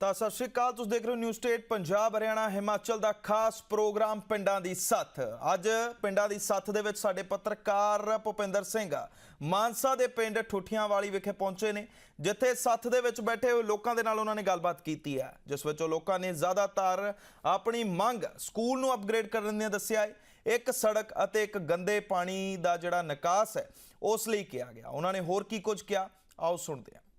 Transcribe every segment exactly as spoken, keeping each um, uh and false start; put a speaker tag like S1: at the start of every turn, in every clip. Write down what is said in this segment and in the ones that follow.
S1: ਤਾਂ ਸਤਿ ਸ਼੍ਰੀ ਅਕਾਲ, ਤੁਸੀਂ ਦੇਖ ਰਹੇ ਹੋ ਨਿਊਜ਼ ਸਟੇਟ ਪੰਜਾਬ ਹਰਿਆਣਾ ਹਿਮਾਚਲ ਦਾ ਖਾਸ ਪ੍ਰੋਗਰਾਮ ਪਿੰਡਾਂ ਦੀ ਸੱਥ। ਅੱਜ ਪਿੰਡਾਂ ਦੀ ਸੱਥ ਦੇ ਵਿੱਚ ਸਾਡੇ ਪੱਤਰਕਾਰ ਭੁਪਿੰਦਰ ਸਿੰਘ ਮਾਨਸਾ ਦੇ ਪਿੰਡ ਠੁੱਠੀਆਂ ਵਾਲੀ ਵਿਖੇ ਪਹੁੰਚੇ ਨੇ, ਜਿੱਥੇ ਸੱਥ ਦੇ ਵਿੱਚ ਬੈਠੇ ਹੋਏ ਲੋਕਾਂ ਦੇ ਨਾਲ ਉਹਨਾਂ ਨੇ ਗੱਲਬਾਤ ਕੀਤੀ ਹੈ, ਜਿਸ ਵਿੱਚ ਲੋਕਾਂ ਨੇ ਜ਼ਿਆਦਾਤਰ ਆਪਣੀ ਮੰਗ ਸਕੂਲ ਨੂੰ ਅਪਗ੍ਰੇਡ ਕਰਨ ਦੀ ਦੱਸਿਆ ਹੈ। ਇੱਕ ਸੜਕ ਅਤੇ ਇੱਕ ਗੰਦੇ ਪਾਣੀ ਦਾ ਜਿਹੜਾ ਨਿਕਾਸ ਹੈ ਉਸ ਲਈ ਕਿਹਾ ਗਿਆ। ਉਹਨਾਂ ਨੇ ਹੋਰ ਕੀ ਕੁਝ ਕਿਹਾ, ਆਓ ਸੁਣਦੇ ਹਾਂ।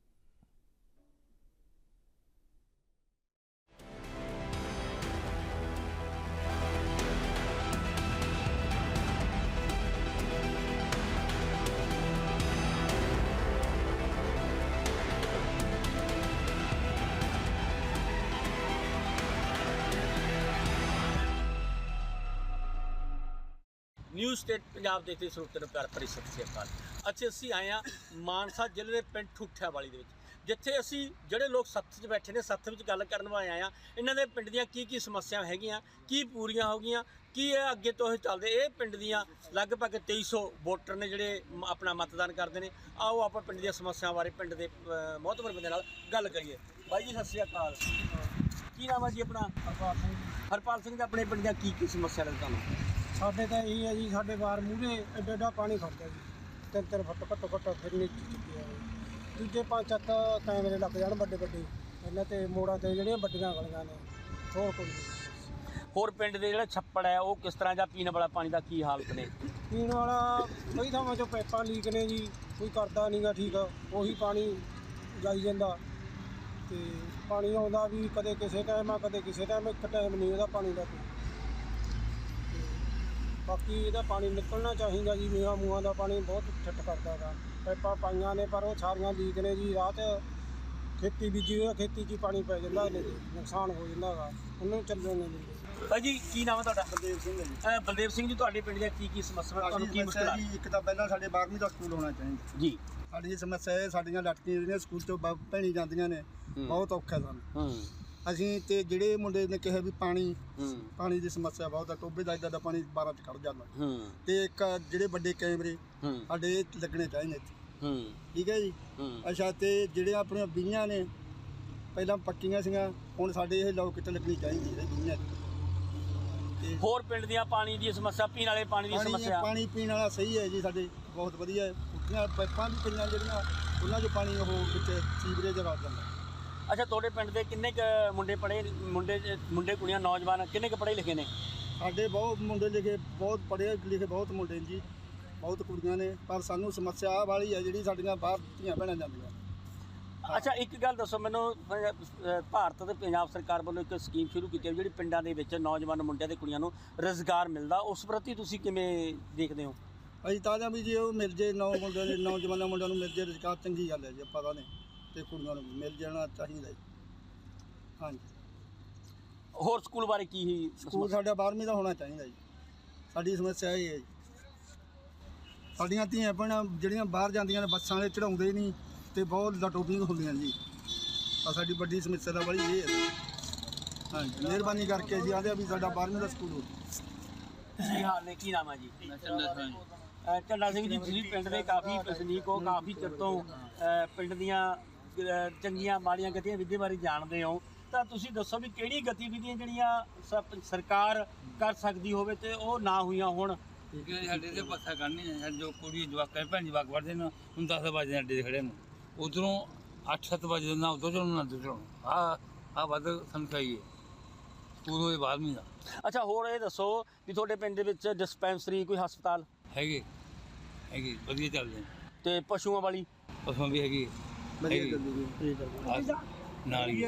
S2: न्यूज़ स्टेट पंजाब देखते ਸਰੋਤਿਆਂ ਨੂੰ ਪਿਆਰ ਭਰੀ ਸਤਿ ਸ਼੍ਰੀ ਅਕਾਲ। ਅੱਜ ਅਸੀਂ ਆਏ ਹਾਂ ਮਾਨਸਾ ਜ਼ਿਲ੍ਹੇ ਦੇ ਪਿੰਡ ਠੁੱਠਿਆਂ ਵਾਲੀ ਦੇ ਵਿੱਚ, ਜਿੱਥੇ ਅਸੀਂ ਜਿਹੜੇ ਲੋਕ ਸੱਥ 'ਚ ਬੈਠੇ ਨੇ, ਸੱਥ ਵਿੱਚ ਗੱਲ ਕਰਨ ਵਾਲੇ ਆਏ ਹਾਂ। ਇਹਨਾਂ ਦੇ ਪਿੰਡ ਦੀਆਂ ਕੀ ਕੀ ਸਮੱਸਿਆ ਹੈਗੀਆਂ, ਕੀ ਪੂਰੀਆਂ ਹੋ ਗਈਆਂ, ਕੀ ਇਹ ਅੱਗੇ ਤੋਂ ਇਹ ਚੱਲਦੇ। ਇਹ ਪਿੰਡ ਦੀਆਂ ਲਗਭਗ ਤੇਈ ਸੌ ਵੋਟਰ ਨੇ ਜਿਹੜੇ ਆਪਣਾ ਮਤਦਾਨ ਕਰਦੇ ਨੇ। ਆਓ ਆਪਾਂ ਪਿੰਡ ਦੀਆਂ ਸਮੱਸਿਆਵਾਂ ਬਾਰੇ ਪਿੰਡ ਦੇ ਮੋਹਤਬਰ ਬੰਦੇ ਨਾਲ ਗੱਲ ਕਰੀਏ। ਬਾਈ ਜੀ ਸਤਿ ਸ਼੍ਰੀ ਅਕਾਲ, ਕੀ ਨਾਮ ਹੈ ਜੀ ਆਪਣਾ?
S3: ਹਰਪਾਲ ਸਿੰਘ।
S2: ਹਰਪਾਲ ਸਿੰਘ ਦਾ ਆਪਣੇ ਪਿੰਡ ਦੀਆਂ ਕੀ ਕੀ ਸਮੱਸਿਆ ਲੱਗਦਾ ਤੁਹਾਨੂੰ?
S3: ਸਾਡੇ ਤਾਂ ਇਹੀ ਹੈ ਜੀ, ਸਾਡੇ ਬਾਹਰ ਮੂਹਰੇ ਐਡਾ ਐਡਾ ਪਾਣੀ ਖੜਦਾ ਜੀ, ਤਿੰਨ ਤਿੰਨ ਫੁੱਟ ਘੱਟੋ ਘੱਟ ਫਿਰ ਨੀਚੇ ਚੁੱਕਿਆ ਹੈ। ਦੂਜੇ ਪੰਜ ਸੱਤ ਕੈਮਰੇ ਲੱਗ ਜਾਣ ਵੱਡੇ ਵੱਡੇ ਇਹਨਾਂ 'ਤੇ ਮੋੜਾਂ 'ਤੇ ਜਿਹੜੀਆਂ ਵੱਡੀਆਂ ਗਲੀਆਂ ਨੇ, ਹੋਰ ਕੋਈ ਨਹੀਂ।
S2: ਹੋਰ ਪਿੰਡ ਦੇ ਜਿਹੜਾ ਛੱਪੜ ਹੈ ਉਹ ਕਿਸ ਤਰ੍ਹਾਂ, ਜਾਂ ਪੀਣ ਵਾਲਾ ਪਾਣੀ ਦਾ ਕੀ ਹਾਲਤ ਨੇ?
S3: ਪੀਣ ਵਾਲਾ ਕਈ ਥਾਵਾਂ 'ਚੋਂ ਪਾਈਪਾਂ ਲੀਕ ਨੇ ਜੀ, ਕੋਈ ਕਰਦਾ ਨਹੀਂ ਗਾ ਠੀਕ, ਉਹੀ ਪਾਣੀ ਜਾਈ ਜਾਂਦਾ। ਅਤੇ ਪਾਣੀ ਆਉਂਦਾ ਵੀ ਕਦੇ ਕਿਸੇ ਟਾਈਮ ਆ, ਕਦੇ ਕਿਸੇ ਟਾਈਮ, ਇੱਕ ਟਾਈਮ ਨਹੀਂ ਉਹਦਾ ਪਾਣੀ ਦਾ। ਬਾਕੀ ਇਹਦਾ ਪਾਣੀ ਨਿਕਲਣਾ ਚਾਹੀਦਾ ਜੀ, ਮੀਂਹਾਂ ਮੂਹਾਂ ਦਾ ਪਾਣੀ ਬਹੁਤ ਠੱਠ ਕਰਦਾ ਗਾ। ਪਾਈਪਾਂ ਪਾਈਆਂ ਨੇ ਪਰ ਉਹ ਸਾਰੀਆਂ ਲੀਕ ਨੇ ਜੀ। ਰਾਹ 'ਚ ਖੇਤੀ ਬੀਜੀ ਹੋਈ, ਖੇਤੀ 'ਚ ਹੀ ਪਾਣੀ ਪੈ ਜਾਂਦਾ, ਇਹਨੇ ਨੁਕਸਾਨ ਹੋ ਜਾਂਦਾ ਗਾ, ਉਹਨੂੰ ਚੱਲਣ ਨਹੀਂ ਦਿੰਦੇ।
S2: ਭਾਈ ਜੀ ਕੀ ਨਾਮ ਹੈ ਤੁਹਾਡਾ?
S4: ਬਲਦੇਵ ਸਿੰਘ ਹੈ ਜੀ।
S2: ਅ, ਬਲਦੇਵ ਸਿੰਘ ਜੀ, ਤੁਹਾਡੇ ਪਿੰਡ ਦੀਆਂ ਕੀ ਕੀ ਸਮੱਸਿਆ, ਤੁਹਾਨੂੰ ਕੀ ਮੁਸ਼ਕਲ ਆ?
S4: ਜੀ ਇੱਕ ਤਾਂ ਪਹਿਲਾਂ ਸਾਡੇ ਬਾਰਵੀਂ ਦਾ ਸਕੂਲ ਹੋਣਾ ਚਾਹੀਦਾ
S2: ਜੀ।
S4: ਸਾਡੀ ਸਮੱਸਿਆ ਇਹ, ਸਾਡੀਆਂ ਲੜਕੀਆਂ ਜਿਹੜੀਆਂ ਸਕੂਲ ਤੋਂ ਭੈਣੀ ਜਾਂਦੀਆਂ ਨੇ, ਬਹੁਤ ਔਖਾ ਸਾਨੂੰ।
S2: ਹੂੰ
S4: ਅਸੀਂ ਤੇ ਜਿਹੜੇ ਮੁੰਡੇ ਨੇ ਕਿਹਾ ਵੀ ਪਾਣੀ
S2: ਹੂੰ
S4: ਪਾਣੀ ਦੀ ਸਮੱਸਿਆ ਬਹੁਤ ਆ, ਟੋਬੇ ਦਾ ਇੱਦਾਂ ਦਾ ਪਾਣੀ ਬਾਰਾਂ 'ਚ ਖੜ ਜਾਂਦਾ।
S2: ਹੂੰ
S4: ਤੇ ਇੱਕ ਜਿਹੜੇ ਵੱਡੇ ਕੈਮਰੇ
S2: ਹੂੰ
S4: ਸਾਡੇ ਇਹ ਲੱਗਣੇ ਚਾਹੀਦੇ ਇੱਥੇ,
S2: ਹੂੰ
S4: ਠੀਕ ਹੈ ਜੀ।
S2: ਹੂੰ
S4: ਅੱਛਾ, ਤੇ ਜਿਹੜੇ ਆਪਣੀਆਂ ਬੀਆਂ ਨੇ ਪਹਿਲਾਂ ਪੱਕੀਆਂ ਸੀਗੀਆਂ, ਹੁਣ ਸਾਡੇ ਇਹ ਲੋਕ ਕਿਤੇ ਲੱਗਣੀ ਚਾਹੀਦੀ ਹੈ ਬੀਆਂ। ਤੇ
S2: ਹੋਰ ਪਿੰਡ ਦੀਆਂ ਪਾਣੀ ਦੀ ਸਮੱਸਿਆ, ਪੀਣ ਵਾਲੇ ਪਾਣੀ ਦੀ
S4: ਪਾਣੀ
S2: ਸਮੱਸਿਆ?
S4: ਪਾਣੀ ਪੀਣ ਵਾਲਾ ਸਹੀ ਹੈ ਜੀ, ਸਾਡੇ ਬਹੁਤ ਵਧੀਆ ਹੈ। ਉੱਠੀਆਂ ਪਾਈਪਾਂ ਵੀ ਪਈਆਂ ਜਿਹੜੀਆਂ, ਉਹਨਾਂ 'ਚ ਪਾਣੀ ਉਹ ਵਿੱਚ ਸੀਵਰੇਜ ਰਲ ਜਾਂਦਾ।
S2: ਅੱਛਾ, ਤੁਹਾਡੇ ਪਿੰਡ ਦੇ ਕਿੰਨੇ ਕੁ ਮੁੰਡੇ ਪੜ੍ਹੇ, ਮੁੰਡੇ ਮੁੰਡੇ ਕੁੜੀਆਂ ਨੌਜਵਾਨ ਕਿੰਨੇ ਕੁ ਪੜ੍ਹੇ ਲਿਖੇ ਨੇ?
S4: ਸਾਡੇ ਬਹੁਤ ਮੁੰਡੇ ਲਿਖੇ, ਬਹੁਤ ਪੜ੍ਹੇ ਲਿਖੇ ਬਹੁਤ ਮੁੰਡੇ ਨੇ ਜੀ, ਬਹੁਤ ਕੁੜੀਆਂ ਨੇ। ਪਰ ਸਾਨੂੰ ਸਮੱਸਿਆ ਆਹ ਵਾਲੀ ਹੈ ਜਿਹੜੀ ਸਾਡੀਆਂ ਬਾਹਰ ਧੀਆਂ ਭੈਣਾਂ ਜਾਂਦੀਆਂ।
S2: ਅੱਛਾ, ਇੱਕ ਗੱਲ ਦੱਸੋ ਮੈਨੂੰ, ਅ, ਭਾਰਤ ਤੇ ਪੰਜਾਬ ਸਰਕਾਰ ਵੱਲੋਂ ਇੱਕ ਸਕੀਮ ਸ਼ੁਰੂ ਕੀਤੀ ਹੈ ਜਿਹੜੀ ਪਿੰਡਾਂ ਦੇ ਵਿੱਚ ਨੌਜਵਾਨ ਮੁੰਡਿਆਂ ਤੇ ਕੁੜੀਆਂ ਨੂੰ ਰੁਜ਼ਗਾਰ ਮਿਲਦਾ, ਉਸ ਪ੍ਰਤੀ ਤੁਸੀਂ ਕਿਵੇਂ ਦੇਖਦੇ ਹੋ?
S4: ਅਸੀਂ ਤਾਂ ਜਾਂ ਵੀ ਜੇ ਉਹ ਮਿਲ ਜੇ, ਨੌ ਮੁੰਡਿਆਂ ਦੇ ਨੌਜਵਾਨਾਂ ਮੁੰਡਿਆਂ ਨੂੰ ਮਿਲ ਜੇ ਰੁਜ਼ਗਾਰ, ਚੰਗੀ ਗੱਲ ਹੈ ਜੀ, ਪਤਾ ਨਹੀਂ, ਤੇ ਕੁੜੀਆਂ ਨੂੰ ਮਿਲ ਜਾਣਾ ਚਾਹੀਦਾ ਜੀ। ਹਾਂਜੀ,
S2: ਹੋਰ ਸਕੂਲ ਬਾਰੇ ਕੀ ਹੀ?
S4: ਸਕੂਲ ਸਾਡਾ ਬਾਰਵੀਂ ਦਾ ਹੋਣਾ ਚਾਹੀਦਾ ਜੀ। ਸਾਡੀ ਸਮੱਸਿਆ ਇਹ ਹੈ ਜੀ, ਸਾਡੀਆਂ ਧੀਆਂ ਭੈਣਾਂ ਜਿਹੜੀਆਂ ਬਾਹਰ ਜਾਂਦੀਆਂ ਨੇ, ਬੱਸਾਂ ਵਾਲੇ ਚੜਾਉਂਦੇ ਨਹੀਂ, ਤੇ ਬਹੁਤ ਲਟੋਪਿੰਗ ਹੁੰਦੀਆਂ ਜੀ। ਆ ਸਾਡੀ ਵੱਡੀ ਸਮੱਸਿਆ ਦਾ ਵਾਲੀ ਇਹ ਹੈ। ਹਾਂਜੀ, ਮਿਹਰਬਾਨੀ ਕਰਕੇ ਜੀ ਆਦੇ ਵੀ ਸਾਡਾ ਬਾਰਵੀਂ ਦਾ ਸਕੂਲ ਹੋ।
S2: ਕੀ ਹਾਲ ਨੇ, ਕੀ ਨਾਮ ਹੈ ਜੀ? ਅ, ਝੰਡਾ ਸਿੰਘ ਜੀ, ਤੁਸੀਂ ਪਿੰਡ ਦੇ ਕਾਫੀ ਵਸਨੀਕ ਹੋ, ਕਾਫੀ ਚਿਰ ਤੋਂ ਅ, ਪਿੰਡ ਦੀਆਂ ਅ, ਚੰਗੀਆਂ ਮਾੜੀਆਂ ਗਤੀਵਿਧੀਆਂ ਬਾਰੇ ਜਾਣਦੇ ਹੋ, ਤਾਂ ਤੁਸੀਂ ਦੱਸੋ ਵੀ ਕਿਹੜੀ ਗਤੀਵਿਧੀਆਂ ਜਿਹੜੀਆਂ ਸ- ਸਰਕਾਰ ਕਰ ਸਕਦੀ ਹੋਵੇ ਤੇ ਉਹ ਨਾ ਹੋਈਆਂ ਹੋਣ?
S5: ਕਿਉਂਕਿ ਸਾਡੇ ਤੇ ਪੱਥਾ ਕਰਨੀ ਹੈ, ਜੋ ਕੁੜੀ ਜਵਾਕਾਂ ਭੈਣ ਜਵਾਕ ਵੜਦੇ ਨੇ, ਹੁਣ ਦਸ ਵਜੇ ਅੱਡੇ 'ਤੇ ਖੜੇ ਨੇ, ਉੱਧਰੋਂ ਅੱਠ ਸੱਤ ਵਜੇ ਨਾ ਉੱਧਰ ਚੜ੍ਹਨਾ ਨਾ ਉੱਧਰ ਚੜ੍ਹਨਾ। ਆਹ ਆਹ ਵੱਧ ਸੰਖਾਈ ਹੈ ਸਕੂਲ ਹੋਏ ਬਾਰਵੀਂ ਦਾ।
S2: ਅੱਛਾ, ਹੋਰ ਇਹ ਦੱਸੋ ਵੀ ਤੁਹਾਡੇ ਪਿੰਡ ਦੇ ਵਿੱਚ ਡਿਸਪੈਂਸਰੀ, ਕੋਈ ਹਸਪਤਾਲ
S5: ਹੈਗੇ ਹੈਗੇ ਵਧੀਆ ਚੱਲਦੇ ਨੇ,
S2: ਤੇ ਪਸ਼ੂਆਂ ਵਾਲੀ?
S5: ਪਸ਼ੂਆਂ ਵੀ ਹੈਗੀ ਹੈਗੀ। ਆਹ ਨਾਲ ਹੀ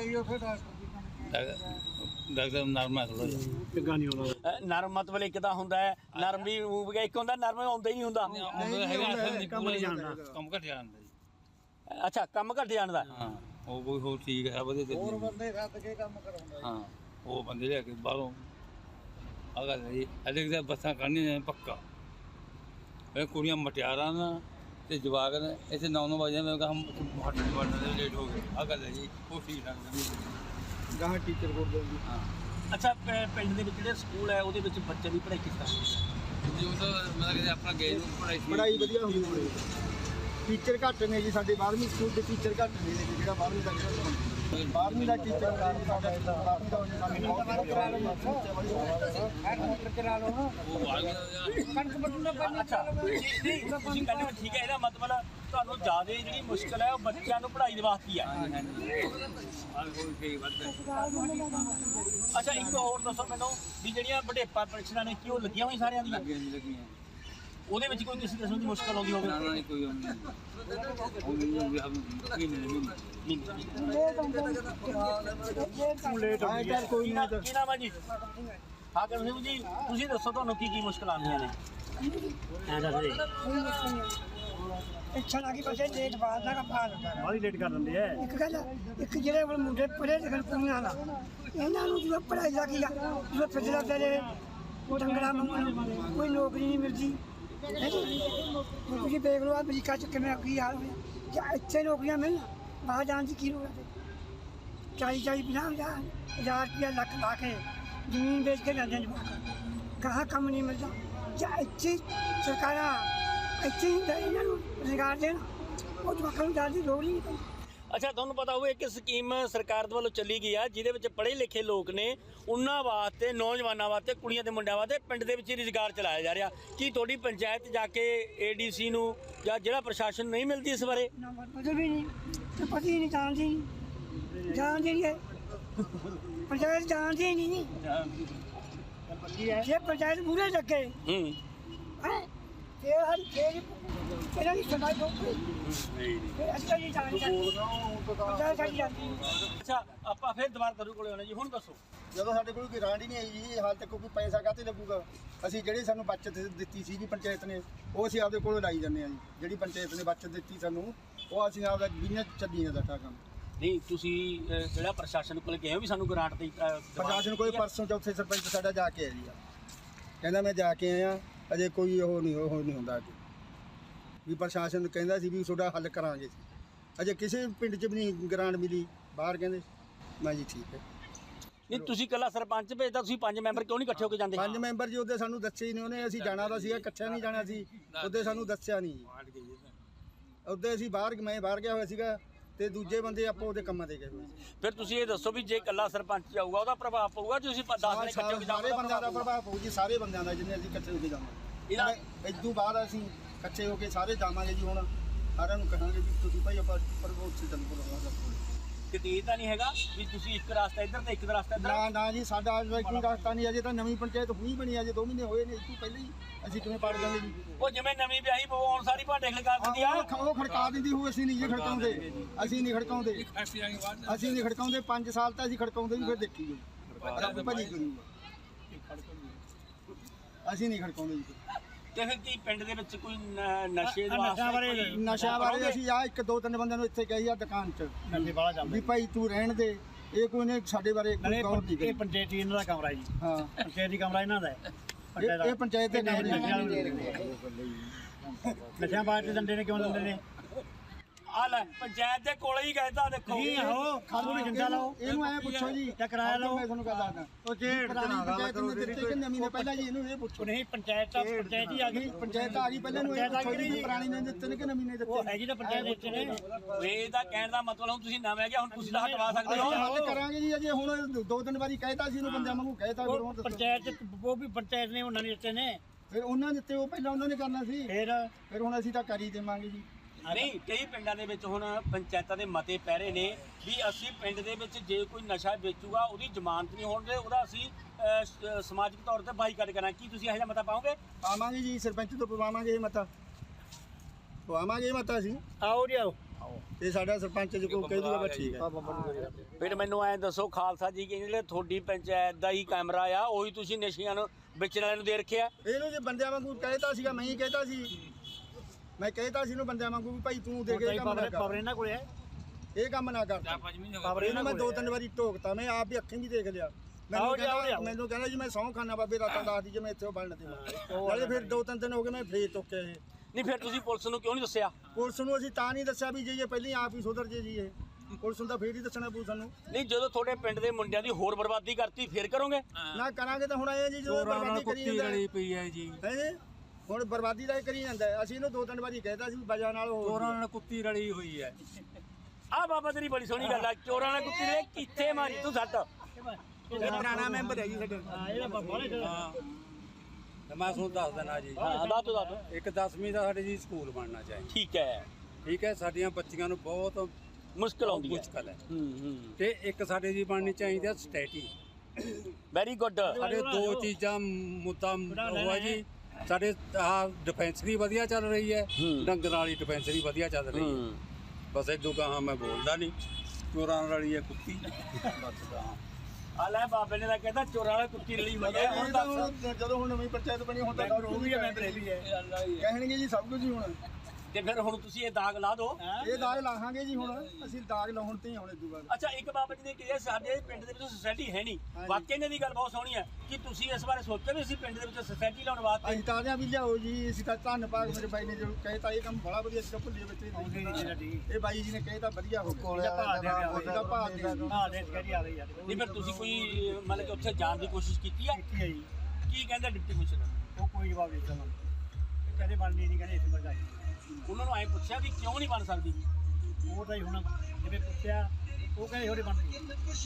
S5: ਡਾਕਟਰ ਨਰਮਾ ਥੋੜ੍ਹਾ ਜਿਹਾ
S2: ਅ, ਨਰਮ ਮਤਲਬ ਇੱਕ ਤਾਂ ਹੁੰਦਾ ਹੈ ਨਰਮ ਵੀ, ਊਂ ਵੀ ਇੱਕ ਹੁੰਦਾ ਨਰਮ ਆਉਂਦਾ ਹੀ ਨਹੀਂ ਹੁੰਦਾ।
S5: ਆਉਂਦਾ ਹੈਗਾ, ਅਸਲ ਨਹੀਂ ਪੂਰਾ ਜਾਂਦਾ, ਕੰਮ ਘੱਟ ਜਾਂਦਾ ਜੀ।
S2: ਅੱਛਾ, ਕੰਮ ਘੱਟ ਜਾਂਦਾ।
S5: ਹਾਂ, ਉਹ ਕੋਈ ਹੋਰ ਠੀਕ ਹੈ, ਵਧੀਆ ਚੱਲਦੀ।
S4: ਹੋਰ ਬੰਦੇ ਰੱਦ ਕੇ ਕੰਮ ਕਰਾਉਂਦਾ।
S5: ਹਾਂ, ਉਹ ਬੰਦੇ ਲਿਆ ਕੇ ਬਾਹਰੋਂ ਆ ਗੱਲ ਹੈ ਜੀ। ਅਜੇ ਤਾਂ ਬੱਸਾਂ ਕਰਨੀਆਂ ਨੇ ਪੱਕਾ। ਇਹ ਕੁੜੀਆਂ ਮਟਿਆਰਾਂ ਨਾ ਤੇ ਜਵਾਕ ਨੇ, ਇੱਥੇ ਨੌ ਨੌ ਵਜੇ ਮੈਂ ਕਹਾਂ ਹੱਟ ਬਣਨ ਦੇ ਲੇਟ ਹੋ ਗਏ। ਆ ਗੱਲ ਹੈ ਜੀ, ਉਹ ਠੀਕ ਠਾਕ ਨਹੀਂ
S4: ਗਾਹਾਂ ਟੀਚਰ ਕੋਲ ਜਾਂਦੀ।
S5: ਹਾਂ,
S2: ਅੱਛਾ, ਪ- ਪਿੰਡ ਦੇ ਵਿੱਚ ਜਿਹੜੇ ਸਕੂਲ ਹੈ ਉਹਦੇ ਵਿੱਚ ਬੱਚੇ ਦੀ ਪੜ੍ਹਾਈ ਕਿਸ ਤਰ੍ਹਾਂ ਹੁੰਦੀ ਹੈ?
S5: ਜੀ ਉਹ ਤਾਂ ਮਤਲਬ ਕਿ ਆਪਣਾ ਗਏ ਨੂੰ ਪੜ੍ਹਾਈ
S4: ਪੜ੍ਹਾਈ ਵਧੀਆ ਹੁੰਦੀ ਹੈ। ਟੀਚਰ ਘੱਟ ਨੇ ਜੀ, ਸਾਡੇ ਬਾਰਵੀਂ ਸਕੂਲ ਦੇ ਟੀਚਰ ਘੱਟ ਨੇ, ਜਿਹੜਾ ਬਾਰਵੀਂ ਦਾ ਜਿਹੜਾ ਬਾਰਵੀਂ ਦਾ ਟੀਚਰ ਦਾ ਸਾਡਾ ਬਾਰਵੀਂ ਦਾ
S5: ਉਹ ਆ ਗਿਆ
S2: ਅੱਛਾ ਨਹੀਂ ਤੁਸੀਂ ਕਹਿੰਦੇ ਹੋ ਠੀਕ ਹੈ, ਇਹਦਾ ਮਤਲਬ ਤੁਹਾਨੂੰ ਜ਼ਿਆਦਾ ਜਿਹੜੀ ਮੁਸ਼ਕਲ ਹੈ ਉਹ ਬੱਚਿਆਂ ਨੂੰ ਪੜ੍ਹਾਈ ਦੇ ਵਾਸਤੇ ਹੀ ਆ। ਅੱਛਾ ਇੱਕ ਹੋਰ ਦੱਸੋ ਮੈਨੂੰ ਵੀ ਜਿਹੜੀਆਂ ਵਡੇਪਾ ਪੈਨਸ਼ਨਾਂ ਨੇ ਕੀ ਉਹ ਲੱਗੀਆਂ ਹੋਈਆਂ ਸਾਰਿਆਂ ਦੀਆਂ? ਉਹਦੇ ਵਿੱਚ ਕੋਈ ਕਿਸੇ ਕਿਸਮ ਦੀ ਮੁਸ਼ਕਲ ਆਉਂਦੀ ਹੋਵੇ?
S5: ਨਾ ਨਾ ਕੋਈ ਨਹੀਂ ਉਹ ਵੀ ਹਮ ਕੀ ਮਿਲੇ
S2: ਕੀ ਨਾ ਕੀ ਨਾਮ ਹੈ ਜੀ? ਹਾਂ ਕਰਨ ਸਿੰਘ ਜੀ, ਤੁਸੀਂ ਦੱਸੋ ਤੁਹਾਨੂੰ ਕੀ ਕੀ ਮੁਸ਼ਕਲ ਆਉਂਦੀਆਂ ਨੇ? ਐਂ ਦੱਸ ਦੇ।
S3: ਇੱਛਾ ਲੱਗੀ ਪਾਸੇ ਲੇਟ ਬਾਅਦ ਦਾ ਕੰਮ
S2: ਬਾਹਲੀ ਲੇਟ ਕਰ ਦਿੰਦੇ ਐ।
S3: ਇੱਕ ਗੱਲ ਇੱਕ ਜਿਹੜੇ ਕੋਲ ਮੁੰਡੇ ਪੜ੍ਹੇ ਲਿਖੇ ਕੁੜੀਆਂ ਦਾ ਇਹਨਾਂ ਨੂੰ ਜਦੋਂ ਪੜ੍ਹਾਈ ਦਾ ਕੀ ਆ ਜਦੋਂ ਫਿਰਦਾ ਤੇਰੇ ਡੰਗਰਾਂ ਮੰਗਣ ਕੋਈ ਨੌਕਰੀ ਨਹੀਂ ਮਿਲਦੀ ਹੈ ਜੀ। ਹੁਣ ਤੁਸੀਂ ਦੇਖ ਲਓ ਅਮਰੀਕਾ ਚ ਕਿਵੇਂ ਕੀ ਹਾਲ ਹੋਇਆ। ਜੇ ਇੱਥੇ ਨੌਕਰੀਆਂ ਮਿਲਣ ਬਾਹਰ ਜਾਣ ਦੀ ਕੀ ਲੋੜ ਹੈ? ਚਾਲੀ ਚਾਲੀ ਪੰਜਾਹ ਹਜ਼ਾਰ ਹਜ਼ਾਰ ਰੁਪਇਆ ਲੱਖ ਲਾ ਕੇ ਜ਼ਮੀਨ ਵੇਚ ਕੇ ਜਾਂਦੇ ਨੇ ਜਵਾਕ। ਕਹਾਂ ਕੰਮ ਨਹੀਂ ਮਿਲਦਾ। ਜਾਂ ਇੱਥੇ ਸਰਕਾਰਾਂ ਇੱਥੇ ਹੀ ਇਹਨਾਂ ਨੂੰ ਰੁਜ਼ਗਾਰ ਦੇਣ, ਉਹ ਜਵਾਕਾਂ ਨੂੰ ਜਾਣ ਦੀ ਲੋੜ ਹੀ ਨਹੀਂ ਪੈਂਦੀ।
S2: ਅੱਛਾ ਤੁਹਾਨੂੰ ਪਤਾ ਹੋਵੇ ਇੱਕ ਸਕੀਮ ਸਰਕਾਰ ਦੇ ਵੱਲੋਂ ਚੱਲੀ ਗਈ ਆ ਜਿਹਦੇ ਵਿੱਚ ਪੜ੍ਹੇ ਲਿਖੇ ਲੋਕ ਨੇ ਉਹਨਾਂ ਵਾਸਤੇ, ਨੌਜਵਾਨਾਂ ਵਾਸਤੇ, ਕੁੜੀਆਂ ਤੇ ਮੁੰਡਿਆਂ ਵਾਸਤੇ ਪਿੰਡ ਦੇ ਵਿੱਚ ਹੀ ਰੁਜ਼ਗਾਰ ਚਲਾਇਆ ਜਾ ਰਿਹਾ। ਕੀ ਤੁਹਾਡੀ ਪੰਚਾਇਤ ਜਾ ਕੇ ਏਡੀਸੀ ਨੂੰ ਜਾਂ ਜਿਹੜਾ ਪ੍ਰਸ਼ਾਸਨ ਨਹੀਂ ਮਿਲਦੀ ਇਸ ਬਾਰੇ?
S3: ਨਾ ਮਤਲਬ ਵੀ ਨਹੀਂ ਤੇ ਪਤਾ ਹੀ ਨਹੀਂ, ਜਾਣਦੀ ਨਹੀਂ ਜਾਣਦੀ ਨਹੀਂ ਹੈ ਪੰਚਾਇਤ, ਜਾਣਦੀ ਹੀ ਨਹੀਂ। ਜੇ ਪੰਚਾਇਤ ਮੂਹਰੇ ਲੱਗੇ
S2: ਹੂੰ
S3: ਹੈ ਫੇਰ ਹਰ ਫੇਰ ਇਹਨਾਂ ਦੀ ਸੁਣਾਈ ਹੋਊਗੀ। ਫਿਰ ਅਸੀਂ ਨਹੀਂ ਜਾਣਦੇ ਪੰਚਾਇਤ ਸਾਡੀ ਜਾਂਦੀ ਨਹੀਂ।
S2: ਅੱਛਾ ਆਪਾਂ ਫਿਰ ਦੁਬਾਰਾ ਕਰੂ ਕੋਲੇ ਆਉਣਾ ਜੀ। ਹੁਣ ਦੱਸੋ।
S4: ਜਦੋਂ ਸਾਡੇ ਕੋਲ ਕੋਈ ਗ੍ਰਾਂਟ ਹੀ ਨਹੀਂ ਆਈ ਜੀ, ਹਾਲ ਤੱਕ ਕੋਈ ਪੈਸਾ ਕਾਹਤੇ ਲੱਗੂਗਾ? ਅਸੀਂ ਜਿਹੜੀ ਸਾਨੂੰ ਬਚਤ ਦਿੱਤੀ ਸੀ ਜੀ ਪੰਚਾਇਤ ਨੇ, ਉਹ ਅਸੀਂ ਆਪਦੇ ਕੋਲੋਂ ਲਾਈ ਜਾਂਦੇ ਹਾਂ ਜੀ। ਜਿਹੜੀ ਪੰਚਾਇਤ ਨੇ ਬਚਤ ਦਿੱਤੀ ਸਾਨੂੰ, ਉਹ ਅਸੀਂ ਆਪਦਾ ਬਿਜ਼ਨਸ ਚੱਲੀ ਜਾਂਦਾ ਤਾਂ ਕੰਮ।
S2: ਨਹੀਂ ਤੁਸੀਂ ਅਹ, ਜਿਹੜਾ ਪ੍ਰਸ਼ਾਸਨ ਕੋਲ ਗਏ ਹੋ ਵੀ ਸਾਨੂੰ ਗ੍ਰਾਂਟ ਦੀ ਅਹ,
S4: ਪ੍ਰਸ਼ਾਸਨ ਕੋਈ ਪਰਸੋਂ ਚੌਥੇ ਸਰਪੰਚ ਸਾਡਾ ਜਾ ਕੇ ਆਇਆ ਜੀ, ਕਹਿੰਦਾ ਮੈਂ ਜਾ ਕੇ ਆਇਆ, ਅਜੇ ਕੋਈ ਉਹ ਨਹੀਂ ਉਹ ਨਹੀਂ ਹੁੰਦਾ ਅੱਗੇ ਵੀ। ਪ੍ਰਸ਼ਾਸਨ ਕਹਿੰਦਾ ਸੀ ਵੀ ਤੁਹਾਡਾ ਹੱਲ ਕਰਾਂਗੇ, ਅਜੇ ਕਿਸੇ ਪਿੰਡ 'ਚ ਵੀ ਨਹੀਂ ਗ੍ਰਾਂਟ ਮਿਲੀ। ਬਾਹਰ ਕਹਿੰਦੇ ਮੈਂ ਜੀ ਠੀਕ ਹੈ।
S2: ਨਹੀਂ ਤੁਸੀਂ ਇਕੱਲਾ ਸਰਪੰਚ ਭੇਜਦਾ, ਤੁਸੀਂ ਪੰਜ ਮੈਂਬਰ ਕਿਉਂ ਨਹੀਂ ਇਕੱਠੇ ਹੋ ਕੇ ਜਾਂਦੇ?
S4: ਪੰਜ ਮੈਂਬਰ ਜੀ ਉਹਦੇ ਸਾਨੂੰ ਦੱਸੇ ਹੀ ਨਹੀਂ ਉਹਨੇ। ਅਸੀਂ ਜਾਣਾ ਤਾਂ ਸੀਗਾ, ਇਕੱਠਿਆਂ ਨਹੀਂ ਜਾਣਾ ਸੀ, ਉਹਦੇ ਸਾਨੂੰ ਦੱਸਿਆ ਨਹੀਂ ਜੀ। ਉਹਦੇ ਅਸੀਂ ਬਾਹਰ, ਮੈਂ ਬਾਹਰ ਗਿਆ ਹੋਇਆ ਸੀਗਾ ਤੇ ਦੂਜੇ ਬੰਦੇ ਆਪੋ ਉਹਦੇ ਕੰਮਾਂ ਤੇ ਗਏ ਹੋਏ ਸੀ।
S2: ਫਿਰ ਤੁਸੀਂ ਇਹ ਦੱਸੋ ਵੀ ਜੇ ਇਕੱਲਾ ਸਰਪੰਚ ਜਾਊਗਾ ਉਹਦਾ ਪ੍ਰਭਾਵ ਪਊਗਾ? ਤੁਸੀਂ ਦਸ ਨੇ ਇਕੱਠੇ ਹੋ ਕੇ
S4: ਸਾਰੇ
S2: ਜਾਓਗੇ
S4: ਬੰਦਿਆਂ ਦਾ ਪ੍ਰਭਾਵ ਪਊ ਜੀ, ਸਾਰੇ ਬੰਦਿਆਂ ਦਾ ਜਿੰਨੇ ਅਸੀਂ ਇਕੱਠੇ ਹੋ ਕੇ ਜਾਵਾਂਗੇ।
S2: ਇਹਦਾ
S4: ਇਦੋਂ ਬਾਅਦ ਅਸੀਂ ਇਕੱਠੇ ਹੋ ਕੇ ਸਾਰੇ ਜਾਵਾਂਗੇ ਜੀ। ਹੁਣ ਸਾਰਿਆਂ ਨੂੰ ਕਹਾਂਗੇ ਵੀ ਤੁਸੀਂ ਭਾਈ ਆਪਾਂ ਪ੍ਰਭੋਤ ਸੇ ਚੱਲ ਕੋਲ
S2: ਕਿਤੇ ਤਾਂ ਨਹੀਂ ਹੈਗਾ ਵੀ ਤੁਸੀਂ ਇੱਕ ਰਸਤਾ ਇੱਧਰ ਤੇ ਇੱਕ ਰਸਤਾ ਇੱਧਰ?
S4: ਨਾ ਨਾ ਜੀ, ਸਾਡਾ ਅਜੇ ਕੋਈ ਰਸਤਾ ਨਹੀਂ। ਅਜੇ ਤਾਂ ਨਵੀਂ ਪੰਚਾਇਤ ਹੋਈ ਬਣੀ, ਅਜੇ ਦੋ ਮਹੀਨੇ ਹੋਏ ਨੇ। ਇਸ ਤੋਂ ਪਹਿਲਾਂ ਹੀ ਅਸੀਂ ਕਿਵੇਂ ਪੜ ਜਾਂਗੇ ਜੀ?
S2: ਉਹ ਜਿਵੇਂ ਨਵੀਂ ਵਿਆਹੀ ਬਹੂ ਸਾਰੀ ਭਾਂਡੇ ਖੜਕਾ ਦਿੰਦੀ ਆ।
S4: ਉਹ ਉਹ ਖੜਕਾ ਦਿੰਦੀ ਹੋਊ, ਅਸੀਂ ਨਹੀਂ ਜੀ ਖੜਕਾਉਂਦੇ, ਅਸੀਂ ਨਹੀਂ ਖੜਕਾਉਂਦੇ, ਅਸੀਂ ਨਹੀਂ ਖੜਕਾਉਂਦੇ। ਪੰਜ ਸਾਲ ਤਾਂ ਅਸੀਂ ਖੜਕਾਉਂਦੇ ਵੀ, ਫਿਰ ਦੇਖੀ ਜੀ ਰੱਬ ਭਲੀ ਕਰੂਗਾ। ਅਸੀਂ ਨਹੀਂ ਖੜਕਾਉਂਦੇ ਜੀ।
S2: ਤੇ ਫਿਰ ਕੀ ਪਿੰਡ ਦੇ ਵਿੱਚ ਕੋਈ ਨ- ਨਸ਼ੇ ਦੇ ਵਾਸਤੇ ਕੋਈ
S4: ਨਸ਼ਾ ਬਾਰੇ ਅਸੀਂ ਆ ਇੱਕ ਦੋ ਤਿੰਨ ਬੰਦਿਆਂ ਨੂੰ ਇੱਥੇ ਕਹੀ ਆ ਦੁਕਾਨ 'ਚ ਵੀ ਭਾਈ ਤੂੰ ਰਹਿਣ ਦੇ, ਇਹ ਕੋਈ ਨੇ ਸਾਡੇ ਬਾਰੇ ਕੋਈ ਗੌਰ ਨਹੀਂ ਕਰੀ।
S6: ਇਹ ਪੰਚਾਇਤੀ ਇਹਨਾਂ ਦਾ ਕਮਰਾ ਜੀ,
S4: ਹਾਂ
S6: ਪੰਚਾਇਤੀ ਕਮਰਾ ਇਹਨਾਂ ਦਾ ਹੈ।
S4: ਇਹ ਇਹ ਪੰਚਾਇਤ ਦੇ ਕੰਮ ਨੇ।
S6: ਨਸ਼ਿਆਂ ਬਾਰੇ ਡੰਡੇ ਨੇ ਕਿਉਂ ਦਿੰਦੇ ਨੇ?
S2: ਆ ਲੈ ਪੰਚਾਇਤ ਦੇ ਕੋਲੇ ਹੀ ਕਹਿੰਦਾ ਦੇਖੋ।
S6: ਨਹੀਂ ਆਹੋ ਖਾਦੂ ਨੂੰ ਜਿੰਦਾ ਲਾਓ,
S4: ਇਹਨੂੰ ਐ ਪੁੱਛੋ ਜੀ
S6: ਜਾਂ ਕਿਰਾਇਆ ਲਓ।
S4: ਮੈਂ ਤੁਹਾਨੂੰ ਗੱਲ ਦੱਸਦਾ,
S6: ਉਹ ਜੇ
S4: ਪੰਚਾਇਤ ਨੇ ਦਿੱਤੇ ਕਿ ਨਵੀਂ ਨੇ? ਪਹਿਲਾਂ ਜੀ ਇਹਨੂੰ ਇਹ ਪੁੱਛੋ।
S6: ਨਹੀਂ ਪੰਚਾਇਤ ਤਾਂ ਪੰਚਾਇਤ ਹੀ ਆ ਗਈ।
S4: ਪੰਚਾਇਤ ਆ ਗਈ, ਪਹਿਲਾਂ ਨੂੰ ਇਹ ਪੁੱਛੋ ਜੀ ਪੁਰਾਣੀ ਨੇ ਦਿੱਤੇ ਨੇ ਕਿ ਨਵੀਂ ਨੇ ਦਿੱਤੇ?
S6: ਉਹ ਹੈਗੀ ਤਾਂ ਪੰਚਾਇਤ ਵਿੱਚ ਨੇ।
S2: ਇਹ ਤਾਂ ਕਹਿਣ ਦਾ ਮਤਲਬ ਹੁਣ ਤੁਸੀਂ ਨਵੇਂ ਗਿਆ, ਹੁਣ ਤੁਸੀਂ ਤਾਂ ਹਟਵਾ ਸਕਦੇ
S4: ਅਸੀਂ
S2: ਹੋ।
S4: ਹੱਲ ਕਰਾਂਗੇ ਜੀ। ਅਜੇ ਹੁਣ ਦੋ ਤਿੰਨ ਵਾਰੀ ਕਹਿਤਾ ਸੀ ਇਹਨੂੰ, ਬੰਦਿਆਂ ਵਾਂਗੂ ਕਹਿਤਾ, ਫਿਰ
S6: ਉਹ
S4: ਹੁਣ ਦੱਸੋ।
S6: ਪੰਚਾਇਤ ਉਹ ਵੀ ਪੰਚਾਇਤ ਨੇ ਉਹਨਾਂ ਨੇ ਦਿੱਤੇ ਨੇ।
S4: ਫਿਰ ਉਹਨਾਂ ਨੇ ਦਿੱਤੇ, ਉਹ ਪਹਿਲਾਂ ਉਹਨਾਂ ਨੇ ਕਰਨਾ ਸੀ,
S6: ਫਿਰ
S4: ਫਿਰ ਹੁਣ ਅਸੀਂ ਤਾਂ ਕਰ ਹੀ ਦੇਵਾਂਗੇ ਜੀ।
S2: ਨਹੀਂ ਕਈ ਪਿੰਡਾਂ ਦੇ ਵਿੱਚ ਹੁਣ ਪੰਚਾਇਤਾਂ ਦੇ ਮਤੇ ਪੈ ਰਹੇ ਨੇ ਵੀ ਅਸੀਂ ਪਿੰਡ ਦੇ ਵਿੱਚ ਜੇ ਕੋਈ ਨਸ਼ਾ ਵੇਚੂਗਾ ਉਹਦੀ ਜ਼ਮਾਨਤ ਨਹੀਂ ਹੋਣ ਦੇ, ਉਹਦਾ ਅਸੀਂ ਅਹ, ਸ- ਸਮਾਜਿਕ ਤੌਰ ਤੇ ਬਾਈਕਾਟ ਕਰਾਂ। ਕੀ ਤੁਸੀਂ ਇਹੋ ਜਿਹਾ ਮਤਾ ਪਾਓਗੇ?
S4: ਪਾਵਾਂਗੇ ਜੀ, ਸਰਪੰਚ ਤੋਂ ਪਵਾਵਾਂਗੇ ਇਹ ਮਤਾ, ਪਵਾਵਾਂਗੇ ਇਹ ਮਤਾ ਅਸੀਂ।
S6: ਆਓ ਜੀ ਆਓ।
S4: ਤੇ ਸਾਡਾ ਸਰਪੰਚ ਜੀ ਕੋਈ ਕਹਿ ਦੂਗਾ ਬਸ ਠੀਕ ਹੈ।
S2: ਫਿਰ ਮੈਨੂੰ ਐਂ ਦੱਸੋ, ਖਾਲਸਾ ਜੀ ਕਹਿੰਦੇ ਜਿਹੜੇ ਤੁਹਾਡੀ ਪੰਚਾਇਤ ਦਾ ਹੀ ਕੈਮਰਾ ਆ ਉਹੀ ਤੁਸੀਂ ਨਸ਼ਿਆਂ ਨੂੰ ਵੇਚਣ ਵਾਲਿਆਂ ਨੂੰ ਦੇ ਰੱਖਿਆ?
S4: ਇਹਨੂੰ ਜੇ ਬੰਦਿਆਂ ਵਾਂਗੂ ਕਹਿਤਾ ਸੀਗਾ, ਮੈਂ ਹੀ ਕਹਿਤਾ ਸੀ, ਮੈਂ ਕਹਿਤਾ ਸੀ ਇਹਨੂੰ ਬੰਦਿਆਂ ਵਾਂਗੂ ਵੀ ਭਾਈ ਤੂੰ ਦੇ ਕੇ ਇਹ ਕੰਮ ਨਾ
S6: ਪਾਵਰ
S4: ਕਰ,
S6: ਇਹਨਾਂ ਕੋਲ ਹੈ।
S4: ਇਹ ਕੰਮ ਨਾ ਕਰ।
S6: ਪਾਵਰ
S4: ਇਹਨੂੰ ਮੈਂ ਦੋ ਤਿੰਨ ਵਾਰੀ ਟੋਕਤਾ, ਮੈਂ ਆਪ ਵੀ ਅੱਖੀਂ ਵੀ ਦੇਖ ਲਿਆ। ਮੈਨੂੰ
S6: ਆਓ ਜੀ, ਆਓ ਜੀ,
S4: ਕਹਿੰਦਾ
S6: ਆਓ।
S4: ਮੈਨੂੰ ਕਹਿੰਦਾ ਜੀ ਮੈਂ ਸਹੁੰ ਖਾਨਾ ਬਾਬੇ ਰਾਤਾਂ ਦੱਸ ਦੀ ਜੇ ਮੈਂ ਇੱਥੇ ਬਣਨ ਦੇਵਾਂ। ਨਾਲੇ ਫਿਰ ਦੋ ਤਿੰਨ ਦਿਨ ਹੋ ਗਏ ਮੈਂ ਫੇਰ ਟੋਕਿਆ ਇਹ।
S2: ਨਹੀਂ ਫਿਰ ਤੁਸੀਂ ਪੁਲਿਸ ਨੂੰ ਕਿਉਂ ਨਹੀਂ ਦੱਸਿਆ?
S4: ਪੁਲਿਸ ਨੂੰ ਅਸੀਂ ਤਾਂ ਨਹੀਂ ਦੱਸਿਆ ਵੀ ਜੇ ਇਹ ਪਹਿਲਾਂ ਹੀ ਆਪ ਹੀ ਸੁਧਰ ਜੇ ਜੀ। ਇਹ ਪੁਲਿਸ ਨੂੰ ਤਾਂ ਫੇਰ ਹੀ ਦੱਸਣਾ ਪਊ ਸਾਨੂੰ।
S2: ਨਹੀਂ ਜਦੋਂ ਤੁਹਾਡੇ ਪਿੰਡ ਦੇ ਮੁੰਡਿਆਂ ਦੀ ਹੋਰ ਬਰਬਾਦੀ ਕਰਤੀ ਫਿਰ ਕਰੋਗੇ?
S4: ਨਾ ਕਰਾਂਗੇ ਤਾਂ ਹੁਣ ਆਏ ਜੀ ਜਦੋਂ ਬਰਬਾਦੀ ਕਰੀ ਜਾਂਦਾ
S6: ਪਈ ਹੈ ਜੀ।
S4: ਹੈ ਹੁਣ ਬਰਬਾਦੀ ਦਾ ਹੀ ਕਰੀ ਜਾਂਦਾ ਹੈ। ਅਸੀਂ ਇਹਨੂੰ ਦੋ ਤਿੰਨ ਵਾਰੀ ਕਹਿਤਾ ਸੀ ਵੀ ਵਜ੍ਹਾ ਨਾਲ ਹੋ
S6: ਨਾਲ ਕੁੱਤੀ ਰਲੀ ਹੋਈ ਹੈ।
S2: ਆ ਬਾਬਾ ਤੇਰੀ ਬੜੀ ਸੋਹਣੀ ਗੱਲ ਆ, ਚੋਰਾਂ ਨੇ ਕੁੱਤੀ ਨੇ ਕਿੱਥੇ ਮਾਰੀ ਤੂੰ ਸੱਟ?
S6: ਇਹ ਪੁਰਾਣਾ ਮੈਂਬਰ ਹੈ ਜੀ ਸਾਡਾ। ਹਾਂ ਇਹਦਾ ਬਾਬਾ ਨੇ
S7: ਤੇ ਮੈਂ ਤੁਹਾਨੂੰ ਦੱਸ ਦਿੰਦਾ ਜੀ,
S2: ਹਾਂ ਦੱਸ ਦੋ ਦੱਸ।
S7: ਇੱਕ ਦਸਵੀਂ ਦਾ ਸਾਡੇ ਜੀ ਸਕੂਲ ਬਣਨਾ ਚਾਹੀਦਾ।
S2: ਠੀਕ ਹੈ,
S7: ਠੀਕ ਹੈ, ਸਾਡੀਆਂ ਬੱਚੀਆਂ ਨੂੰ ਬਹੁਤ
S2: ਮੁਸ਼ਕਲ ਆਉਂਦੀ ਹੈ।
S7: ਮੁਸ਼ਕਲ ਹੈ।
S2: ਹੂੰ ਹੂੰ
S7: ਤੇ ਇੱਕ ਸਾਡੇ ਜੀ ਬਣਨੀ ਚਾਹੀਦੀ ਹੈ ਸਟੈਟੀ।
S2: Very good.
S7: ਸਾਡੇ ਦੋ ਚੀਜ਼ਾਂ ਮੁੱਦਾ ਹੋਆ ਜੀ, ਸਾਡੇ ਆਹ ਡਿਫੈਂਸਰੀ ਵਧੀਆ ਚੱਲ ਰਹੀ ਹੈ,
S2: ਹੂੰ।
S7: ਡੰਗਰ ਵਾਲੀ ਡਿਫੈਂਸਰੀ ਵਧੀਆ ਚੱਲ ਰਹੀ ਹੈ।
S2: ਹੂੰ
S7: ਬਸ ਇਦੋਂ ਕਹਾਂ ਮੈਂ ਬੋਲਦਾ ਨਹੀਂ, ਚੋਰਾਂ ਵਾਲੀ ਹੈ ਕੁੱਤੀ। ਬਸ ਕਹਾਂ
S2: ਆ ਲੈ ਬਾਬੇ ਨੇ ਤਾਂ ਕਹਿੰਦਾ ਚੋਰਾਂ ਵਾਲਾ ਕੁੱਤੀ ਰਲੀ ਹੋਈ ਹੈ। ਹੁਣ ਦੱਸ
S4: ਜਦੋਂ ਹੁਣ ਨਵੀਂ ਪੰਚਾਇਤ ਬਣੀ ਹੁਣ ਤਾਂ
S6: ਉਹ ਵੀ ਹੈ ਮੈਂਬਰ ਇਹ ਵੀ ਹੈ।
S4: ਕਹਿਣਗੇ ਜੀ ਸਭ ਕੁਝ ਹੀ ਹੁਣ
S2: ਤੇ ਫਿਰ ਹੁਣ ਤੁਸੀਂ ਇਹ ਦਾਗ ਲਾ ਦਿਓ।
S4: ਇਹ ਦਾਗ ਲਾਹਾਂਗੇ ਜੀ, ਹੁਣ ਅਸੀਂ ਦਾਗ ਲਾਉਣ ਤੇ ਹੀ ਹੁਣ ਇਦੋਂ ਬਾਅਦ।
S2: ਅੱਛਾ ਇੱਕ ਬਾਬਾ ਜੀ ਨੇ ਕਿਹਾ ਸਾਡੇ ਪਿੰਡ ਦੇ ਵਿੱਚ ਸੋਸਾਇਟੀ ਹੈ ਨਹੀਂ,
S4: ਹਾਂਜੀ।
S2: ਵਾਕਈ ਇਹਨਾਂ ਦੀ ਗੱਲ ਬਹੁਤ ਸੋਹਣੀ ਹੈ ਕਿ ਤੁਸੀਂ ਇਸ ਬਾਰੇ ਸੋਚਿਆ ਵੀ ਅਸੀਂ ਪਿੰਡ ਦੇ ਵਿੱਚ ਸੋਸਾਇਟੀ ਲਾਉਣ ਵਾਸਤੇ?
S4: ਅਸੀਂ ਤਾਂ ਆਦਿਆਂ ਵੀ ਲਿਆਓ ਜੀ, ਅਸੀਂ ਤਾਂ ਧੰਨਵਾਦ ਮੇਰੇ ਬਾਈ ਨੇ ਜੋ ਕਹਿਤਾ, ਇਹ ਕੰਮ ਬੜਾ ਵਧੀਆ ਸੀਗਾ, ਭੁੱਲੇ ਵਿੱਚ ਇਹ ਬਾਈ ਜੀ ਨੇ ਕਹਿਤਾ ਵਧੀਆ ਹੋ
S6: ਇਹਦਾ ਭਾਅ ਦੇ ਹਾਂ ਦੇ ਕਰੀ ਆ ਰਹੀ ਯਾਰ।
S2: ਨਹੀਂ ਫਿਰ ਤੁਸੀਂ ਕੋਈ ਮਤਲਬ ਕਿ ਉੱਥੇ ਜਾਣ ਦੀ ਕੋਸ਼ਿਸ਼ ਕੀਤੀ ਹੈ?
S6: ਕੀਤੀ ਹੈ ਜੀ,
S2: ਕੀ ਕਹਿੰਦਾ ਡਿਪਟੀ ਕਮਿਸ਼ਨਰ?
S6: ਉਹ ਕੋਈ ਜਵਾਬ ਨਹੀਂ ਦਿੱਤਾ ਮੈਨੂੰ। ਇਹ ਕਦੇ ਬਣਨੀ ਨਹੀਂ, ਕਹਿੰਦੇ ਇਸ ਮਰਜ਼ਾਈ।
S2: ਉਹਨਾਂ ਨੂੰ ਐਂ ਪੁੱਛਿਆ ਵੀ ਕਿਉਂ ਨਹੀਂ ਬਣ ਸਕਦੀ?
S6: ਉਹ ਤਾਂ ਹੀ ਹੁਣ ਜਿਵੇਂ ਪੁੱਛਿਆ ਉਹ ਕਹਿੰਦੇ ਹੋਰੇ ਬਣਦੀ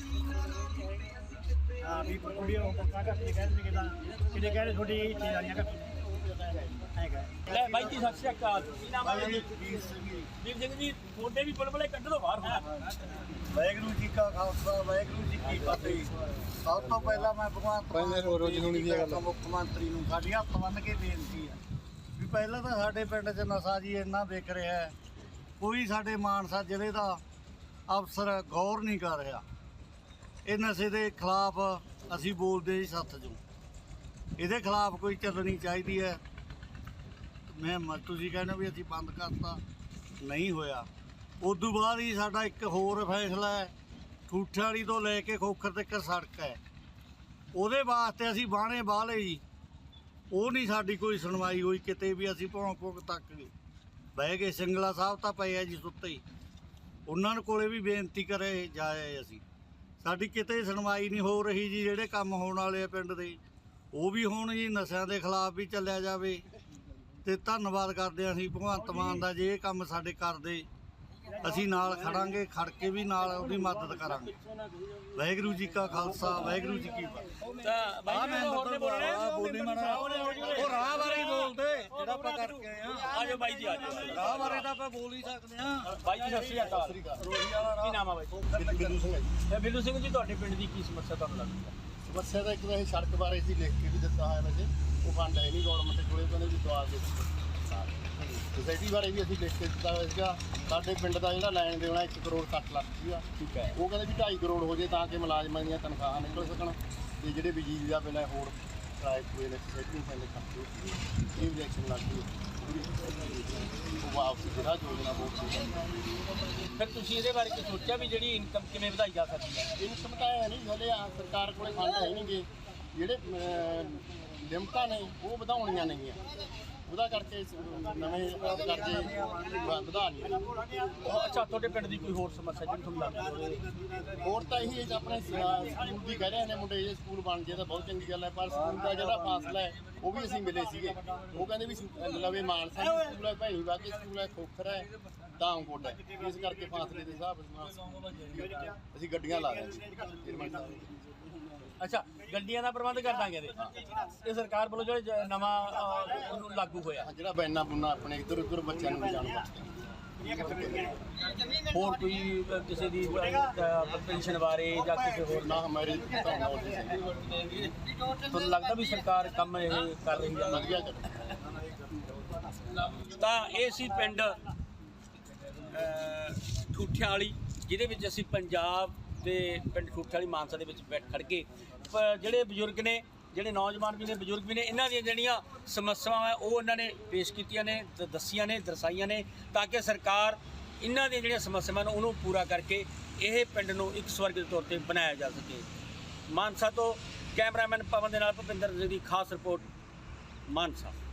S6: ਹਾਂ ਵੀ ਕੁੜੀ ਉਹ ਪੱਕਾ ਕਰ ਕੇ ਕਹਿੰਦੇ ਕਿ ਤਾਂ ਕਿਤੇ ਕਹਿੰਦੇ ਤੁਹਾਡੀ ਇਹ ਚੀਜ਼ ਵਾਲੀਆਂ ਕਰ ਹੈਗਾ।
S2: ਲੈ ਬਾਈ ਜੀ ਸਤਿ ਸ਼੍ਰੀ ਅਕਾਲ, ਕੀ ਨਾਮ ਹੈ ਜੀ? ਵੀਰ ਸਿੰਘ ਜੀ ਤੁਹਾਡੇ ਵੀ ਬੁਲਬੁਲੇ ਕੱਢੋ ਬਾਹਰ ਹੁਣ।
S4: ਵਾਹਿਗੁਰੂ ਜੀ ਕਾ ਖਾਲਸਾ ਵਾਹਿਗੁਰੂ ਜੀ ਕੀ ਫਤਿਹ। ਸਭ ਤੋਂ ਪਹਿਲਾਂ ਮੈਂ ਭਗਵਾਨ ਮੁੱਖ ਮੰਤਰੀ ਨੂੰ ਸਾਡੀ ਹੱਥ ਬੰਨ੍ਹ ਕੇ ਬੇਨਤੀ ਹੈ ਵੀ ਪਹਿਲਾਂ ਤਾਂ ਸਾਡੇ ਪਿੰਡ 'ਚ ਨਸ਼ਾ ਜੀ ਇੰਨਾ ਵਿਕ ਰਿਹਾ ਹੈ, ਕੋਈ ਸਾਡੇ ਮਾਨਸਾ ਜ਼ਿਲ੍ਹੇ ਦਾ ਅਫਸਰ ਗੌਰ ਨਹੀਂ ਕਰ ਰਿਹਾ। ਇਹ ਨਸ਼ੇ ਦੇ ਖਿਲਾਫ ਅਸੀਂ ਬੋਲਦੇ ਜੀ ਸੱਥ 'ਚੋਂ, ਇਹਦੇ ਖਿਲਾਫ ਕੋਈ ਚੱਲਣੀ ਚਾਹੀਦੀ ਹੈ। ਮੈਂ ਮ- ਤੁਸੀਂ ਕਹਿੰਦੇ ਵੀ ਅਸੀਂ ਬੰਦ ਕਰਤਾ, ਨਹੀਂ ਹੋਇਆ। ਉਦੋਂ ਬਾਅਦ ਹੀ ਸਾਡਾ ਇੱਕ ਹੋਰ ਫੈਸਲਾ ਹੈ, ਠੂਠੇ ਵਾਲੀ ਤੋਂ ਲੈ ਕੇ ਖੋਖਰ ਤੱਕ ਸੜਕ ਹੈ, ਉਹਦੇ ਵਾਸਤੇ ਅਸੀਂ ਬਾਣੇ ਬਾਹ ਲਏ ਜੀ। ਉਹ ਨਹੀਂ ਸਾਡੀ ਕੋਈ ਸੁਣਵਾਈ ਹੋਈ ਕਿਤੇ ਵੀ। ਅਸੀਂ ਭੌਂ ਭੌਂ ਤੱਕ ਗਏ, ਬਹਿ ਗਏ। ਸਿੰਗਲਾ ਸਾਹਿਬ ਤਾਂ ਪਏ ਆ ਜੀ ਸੁੱਤੇ ਹੀ, ਉਹਨਾਂ ਨੂੰ ਕੋਲੇ ਵੀ ਬੇਨਤੀ ਕਰੇ ਜਾਏ ਅਸੀਂ, ਸਾਡੀ ਕਿਤੇ ਸੁਣਵਾਈ ਨਹੀਂ ਹੋ ਰਹੀ ਜੀ। ਜਿਹੜੇ ਕੰਮ ਹੋਣ ਵਾਲੇ ਆ ਪਿੰਡ ਦੇ ਉਹ ਵੀ ਹੋਣ ਜੀ, ਨਸ਼ਿਆਂ ਦੇ ਖਿਲਾਫ ਵੀ ਚੱਲਿਆ ਜਾਵੇ। ਤੇ ਧੰਨਵਾਦ ਕਰਦੇ ਹਾਂ ਅਸੀਂ ਭਗਵੰਤ ਮਾਨ ਦਾ, ਜੇ ਇਹ ਕੰਮ ਸਾਡੇ ਕਰਦੇ ਅਸੀਂ ਨਾਲ ਖੜਾਂਗੇ, ਖੜ ਕੇ ਵੀ ਨਾਲ ਉਹਦੀ ਮਦਦ ਕਰਾਂਗੇ। ਵਾਹਿਗੁਰੂ ਜੀ ਕਾ ਖਾਲਸਾ ਵਾਹਿਗੁਰੂ ਜੀ ਕੀ ਫਤਿਹ।
S2: ਤਾਂ ਬਾਈ ਜੀ ਹੋਰ ਨੇ ਬੋਲਣਾ
S4: ਬੋਲੀ ਮਾਣਾ ਉਹ ਰਾਹ ਬਾਰੇ ਬੋਲਦੇ ਜਿਹੜਾ ਆਪਾਂ ਕਰਕੇ ਆਏ ਆ।
S2: ਆਜੋ ਬਾਈ ਜੀ ਆਜੋ।
S4: ਰਾਹ ਬਾਰੇ ਤਾਂ ਆਪਾਂ ਬੋਲ ਹੀ ਸਕਦੇ ਆ।
S2: ਬਾਈ ਜੀ ਸਤਿ ਸ਼੍ਰੀ ਅਕਾਲ। ਕੀ ਨਾਮ ਆ ਬਾਈ?
S4: ਬਿੱਲੂ ਸਿੰਘ ਹੈ ਜੀ।
S2: ਇਹ ਬਿੱਲੂ ਸਿੰਘ ਜੀ ਤੁਹਾਡੇ ਪਿੰਡ ਦੀ ਕੀ ਸਮੱਸਿਆ ਤੁਹਾਨੂੰ ਲੱਗਦੀ ਹੈ?
S4: ਸਮੱਸਿਆ ਦਾ ਇੱਕ ਵੈਸੇ ਸੜਕ ਬਾਰੇ ਸੀ ਲਿਖ ਕੇ ਵੀ ਦਿੱਤਾ ਹੋਇਆ, ਵੈਸੇ ਉਹ ਫੰਡ ਹੈ ਨਹੀਂ ਗੌਰਮੈਂਟ ਕੋਲੇ, ਕਹਿੰਦੇ ਵੀ ਦਵਾ ਦੇ। ਸੋਸਾਇਟੀ ਬਾਰੇ ਵੀ ਅਸੀਂ ਲਿਖ ਕੇ ਦਿੱਤਾ ਹੋਇਆ ਸੀਗਾ। ਸਾਡੇ ਪਿੰਡ ਦਾ ਜਿਹੜਾ ਲੈਣ ਦੇਣਾ ਇੱਕ ਕਰੋੜ ਸੱਠ ਲੱਖ ਸੀਗਾ, ਠੀਕ ਹੈ। ਉਹ ਕਹਿੰਦੇ ਵੀ ਢਾਈ ਕਰੋੜ ਹੋ ਜੇ ਤਾਂ ਕਿ ਮੁਲਾਜ਼ਮਾਂ ਦੀਆਂ ਤਨਖਾਹਾਂ ਨਿਕਲ ਸਕਣ ਤੇ ਜਿਹੜੇ ਬਿਜਲੀ ਦਾ ਬਿੱਲ ਹੈ ਹੋਰ ਕਿਰਾਏ ਪੂਰੇ ਨੇ ਸੋਸਾਇਟੀ ਪੈਂਦੇ ਖਰਚੇ ਇਹ ਇਲੈਕਸ਼ਨ ਲੱਗ ਗਈ ਉਹ ਵਾਪਸ ਜਿਹੜਾ ਯੋਜਨਾ ਬਹੁਤ ਸੀ।
S2: ਫਿਰ ਤੁਸੀਂ ਇਹਦੇ ਬਾਰੇ ਕੀ ਸੋਚਿਆ ਵੀ ਜਿਹੜੀ ਇਨਕਮ ਕਿਵੇਂ ਵਧਾਈ ਜਾ ਸਕਦੀ ਹੈ?
S4: ਇਨਕਮ ਤਾਂ ਹੈ ਨਹੀਂ, ਹਲੇ ਆ ਸਰਕਾਰ ਕੋਲੇ ਫੰਡ ਹੈ ਨਹੀਂਗੇ। ਜਿਹੜੇ ਲਿਮਟਾਂ ਨੇ ਉਹ ਵਧਾਉਣੀਆਂ ਨਹੀਂ ਆ, ਉਹਦਾ ਕਰਕੇ ਨਵੇਂ ਕਰਜ਼ੇ ਵਧਾ ਨਹੀਂ।
S2: ਅੱਛਾ ਤੁਹਾਡੇ ਪਿੰਡ ਦੀ ਕੋਈ ਹੋਰ ਸਮੱਸਿਆ ਜਿਹੜੀ ਤੁਹਾਨੂੰ ਲੱਗਦੀ ਹੋਵੇ?
S4: ਹੋਰ ਤਾਂ ਇਹੀ ਹੈ ਆਪਣੇ ਸਕੂਲ ਦੀ ਕਹਿ ਰਹੇ ਨੇ ਮੁੰਡੇ, ਇਹ ਸਕੂਲ ਬਣ ਜੇ ਤਾਂ ਬਹੁਤ ਚੰਗੀ ਗੱਲ ਹੈ, ਪਰ ਸਕੂਲ ਦਾ ਜਿਹੜਾ ਫਾਸਲਾ ਹੈ ਉਹ ਵੀ ਅਸੀਂ ਮਿਲੇ ਸੀਗੇ। ਉਹ ਕਹਿੰਦੇ ਵੀ ਲਵੇ ਮਾਨਸਾ ਦੀ ਸਕੂਲ ਹੈ, ਭੈਣੀ ਬਾਕੀ ਸਕੂਲ ਹੈ, ਖੋਖਰ ਹੈ, ਦਾਮਕੋਟ ਹੈ। ਇਸ ਕਰਕੇ ਫਾਸਲੇ ਦੇ ਹਿਸਾਬ ਨਾਲ ਅਸੀਂ ਗੱਡੀਆਂ ਲਾ ਦਿੰਦੇ।
S2: ਅੱਛਾ ਗੱਡੀਆਂ ਦਾ ਪ੍ਰਬੰਧ ਕਰ ਦਾਂਗੇ ਇਹਦੇ। ਇਹ ਸਰਕਾਰ ਵੱਲੋਂ ਜਿਹੜਾ ਜ- ਨਵਾਂ ਅਹ, ਉਹਨੂੰ ਲਾਗੂ ਹੋਇਆ।
S4: ਜਿਹੜਾ ਬੈਨਾ ਬੁਨਾ ਆਪਣੇ ਇੱਧਰ ਉੱਧਰ ਬੱਚਿਆਂ ਨੂੰ ਜਾਣ
S2: ਹੋਰ ਕੋਈ ਅਹ, ਕਿਸੇ ਦੀ ਪੈਨਸ਼ਨ ਬਾਰੇ ਜਾਂ ਕਿਸੇ ਹੋਰ
S4: ਨਾ ਹਮਾਰੇ ਤਾਂ ਨੌਲੇਜ ਹੈ
S2: ਤੁਹਾਨੂੰ ਲੱਗਦਾ ਵੀ ਸਰਕਾਰ ਕੰਮ ਇਹ ਕਰ ਰਹੀ ਹੈ?
S4: ਵਧੀਆ ਕਰ
S2: ਤਾਂ ਇਹ ਸੀ ਪਿੰਡ ਠੂਠਿਆਂ ਵਾਲੀ, ਜਿਹਦੇ ਵਿੱਚ ਅਸੀਂ ਪੰਜਾਬ ਦੇ ਪਿੰਡ ਠੂਠਿਆਂ ਵਾਲੀ ਮਾਨਸਾ ਦੇ ਵਿੱਚ ਬੈਠ ਖੜ ਕੇ ਪ- ਜਿਹੜੇ ਬਜ਼ੁਰਗ ਨੇ, ਜਿਹੜੇ ਨੌਜਵਾਨ ਵੀ ਨੇ, ਬਜ਼ੁਰਗ ਵੀ ਨੇ, ਇਹਨਾਂ ਦੀਆਂ ਜਿਹੜੀਆਂ ਸਮੱਸਿਆਵਾਂ ਹੈ ਉਹ ਉਹਨਾਂ ਨੇ ਪੇਸ਼ ਕੀਤੀਆਂ ਨੇ, ਦ- ਦੱਸੀਆਂ ਨੇ, ਦਰਸਾਈਆਂ ਨੇ, ਤਾਂ ਕਿ ਸਰਕਾਰ ਇਹਨਾਂ ਦੀਆਂ ਜਿਹੜੀਆਂ ਸਮੱਸਿਆਵਾਂ ਨੇ ਉਹਨੂੰ ਪੂਰਾ ਕਰਕੇ ਇਹ ਪਿੰਡ ਨੂੰ ਇੱਕ ਸਵਰਗ ਦੇ ਤੌਰ ਤੇ ਬਣਾਇਆ ਜਾ ਸਕੇ। ਮਾਨਸਾ ਤੋਂ ਕੈਮਰਾਮੈਨ ਪਵਨ ਦੇ ਨਾਲ ਭੁਪਿੰਦਰ ਦੀ ਖਾਸ ਰਿਪੋਰਟ ਮਾਨਸਾ।